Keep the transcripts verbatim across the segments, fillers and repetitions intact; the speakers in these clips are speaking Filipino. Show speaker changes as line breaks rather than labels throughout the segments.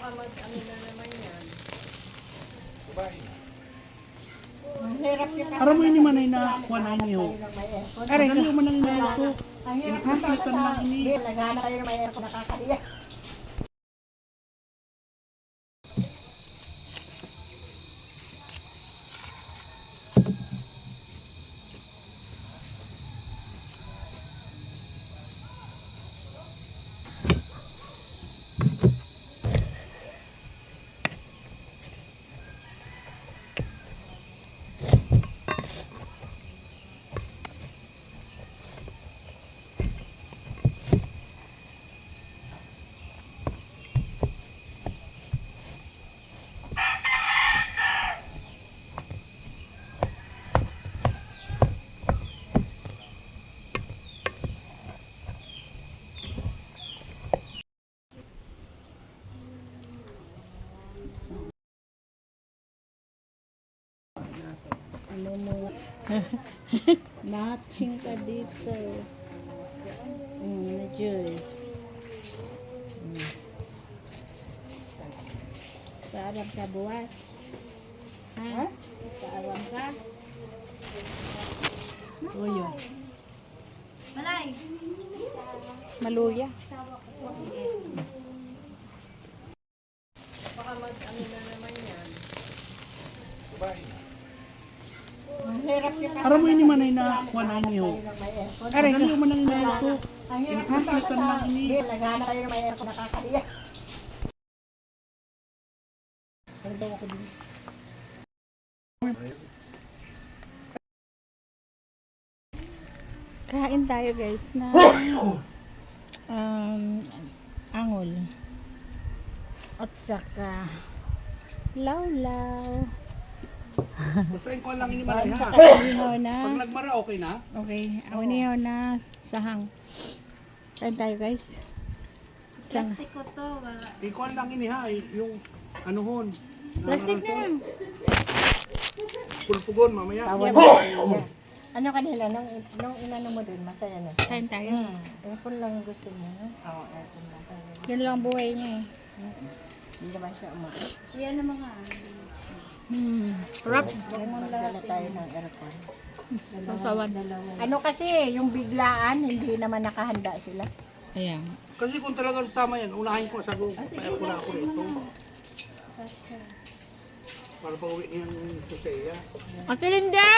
Baka mag-ano na naman yan.
Aram mo yun manay na kuha na inyo. Aray ka. Mo nang inaso. Inakapilitan lang ini.
Naghanap kayo ng may aircon nakakaliya.
Ano mo? Matching ka dito. Mm, medyo eh. Mm. Saaram ka buwas? Ha? Saaram ka? Uyo.
Malay.
Maluya.
Baka mag-ano na naman yan.
Aram mo yun manay na kuha na inyo. Aray ka. Mo nang inaso. Inakapilitan lang ini.
Naghanap kayo ng may aircon nakakaliya.
Kain tayo guys na um, angol. At saka lawlaw.
Basta yung kuha lang ini manay ha.
Inihaw na.
Pag nagmara okay na.
Okay, ang inihaw na sahang. Kain tayo guys. Saan?
Plastic ko to. Wala.
Ikuha lang ini ha. Yung ano hon.
Plastic na lang.
Pulpugon mamaya.
Tawa na. Ano kanila, nung, nung inano mo dun, masaya na.
Kain tayo.
Hmm. Aircon lang gusto niya, no? Oo, aircon lang.
Yun lang buhay niya eh.
Hindi naman siya umaga.
Yan ang mga.
Hmm. Rap.
Magdala tayo ng aircon.
Sasawan.
Ano kasi, yung biglaan, hindi naman nakahanda sila.
Ayan.
Kasi kung talagang sama yan, unahin ko sa go. Kaya ko na ako rito. Para pag uwi niyan sa iya.
Ate Linda!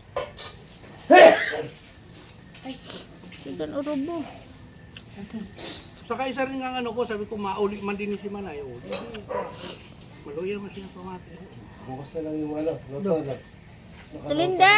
Ay, sigan urubo.
Saka isa rin nga ano ko, sabi ko mauli man din si Manay. O, maluya man siya pamati.
Bukas na lang yung ano, luto na.
Ate Linda!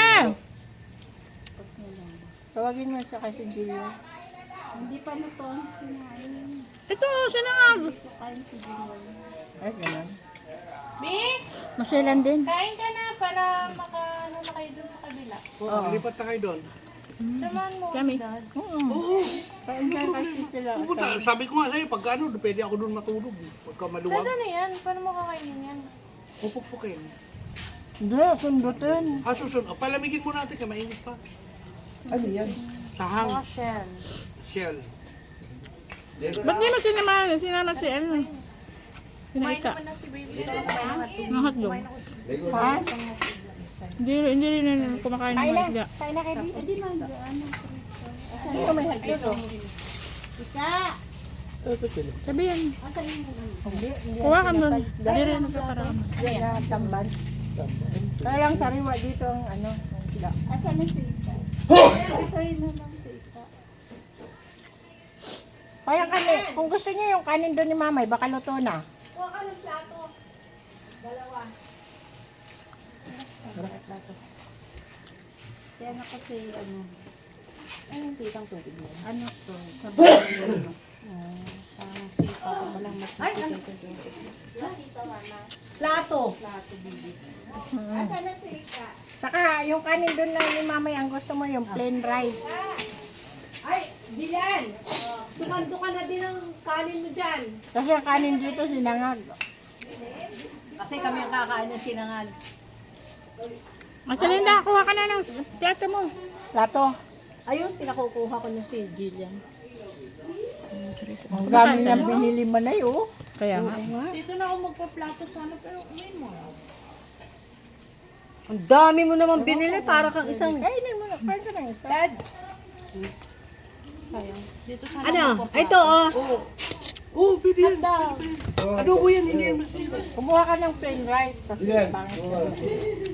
Tawagin mo siya kasi Gilio.
Hindi pa na to ang sinain.
Ito, sinangag.
Kain si Jimon.
Ay, ganun.
Bi,
Masailan din.
kain ka na para maka ano na kayo dun sa kabila.
Oo, lipat na kayo doon.
Samahan mo.
Yummy.
Dad.
Oo.
Oo.
Kain ka kasi sila.
Pupunta, sabi ko nga sa'yo, pagka ano, pwede ako doon matulog. Pagka maluwag,
Dad, ano yan? Paano mo kakainin yan?
pupukpukin.
Hindi, sundutin.
Ah, susun, oh, palamigin mo natin, kaya mainit pa.
Ano yan?
Sahang,
Mga shell.
shell.
Ba't di mo sinama, sinama si ano?
Kumain
Sinaita.
naman na si baby.
Ng hotdog.
Ha?
Hindi, hindi rin na kumakain ng
Kain
mga
na.
isda.
Kain na kayo.
Hindi man, ano.
Hindi ko may hagdo.
Isa.
Sabi yan.
Asan yung ano?
Hindi, hindi.
Kuha ka nun. Hindi rin nagkakarama.
Yan na tamban. Kaya lang sariwa dito ang ano, ang sila.
Asan na si Ika? Ito yun na lang si Ika.
Kaya kanin, kung gusto niyo yung kanin doon ni Mamay, baka luto na.
Kuha ka ng plato. Dalawa. Kaya na kasi ano. Ano yung titang tubig mo?
Ano to? Sa bahay ano? Uh, parang sipa ko mo lang mas masigaw ko dito.
Tita Mama.
Plato.
Plato, bibi.
Hmm.
Asan na si Ika?
Saka yung kanin doon na ni Mamay, ang gusto mo yung plain rice.
Ay, Dilan! Tumando ka na din ang kanin mo dyan.
Kasi ang kanin dito sinangag.
Kasi kami ang kakain ng sinangag.
Ate Linda, kuha ka na ng plato mo.
Plato.
Ayun, pinakukuha ko na si Jillian.
Ang dami niyang binili mo na yun.
Kaya nga.
Dito na ako magpa-plato sana pero umain mo.
Ang dami mo naman binili para kang isang...
Kainin mo na. Kain ka na isa.
Dad,
Dito sana
Ano? Ito oh.
Oo. Oo, pwede yan. Pwede pa yan. Adobo yan, hindi yan masira.
Kumuha ka ng plain rice. Kasi
Dilan.
pangit.
Oo.